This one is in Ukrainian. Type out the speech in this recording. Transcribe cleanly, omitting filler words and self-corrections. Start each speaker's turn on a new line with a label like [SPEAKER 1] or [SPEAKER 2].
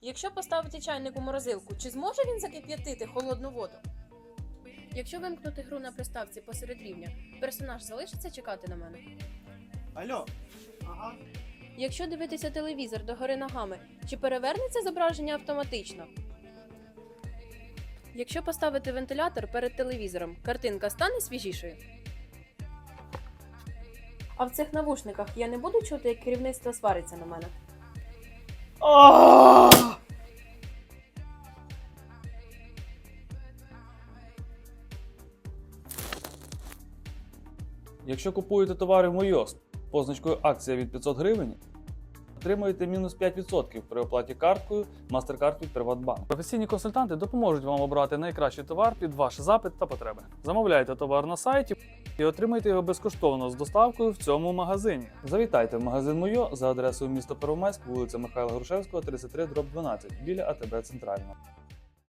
[SPEAKER 1] Якщо поставити чайник у морозилку, чи зможе він закип'ятити холодну воду? Якщо вимкнути гру на приставці посеред рівня, персонаж залишиться чекати на мене?
[SPEAKER 2] Алло. Ага.
[SPEAKER 1] Якщо дивитися телевізор догори ногами, чи перевернеться зображення автоматично? Якщо поставити вентилятор перед телевізором, картинка стане свіжішою? А в цих навушниках я не буду чути, як керівництво свариться на мене?
[SPEAKER 3] Якщо купуєте товари в Мойо з позначкою акція від 500 гривень, отримуєте мінус 5% при оплаті карткою MasterCard від Приватбанк. Професійні консультанти допоможуть вам обрати найкращий товар під ваш запит та потреби. Замовляйте товар на сайті і отримайте його безкоштовно з доставкою в цьому магазині. Завітайте в магазин Мойо за адресою місто Первомайськ, вулиця Михайла Грушевського, 33/12, біля АТБ Центрального.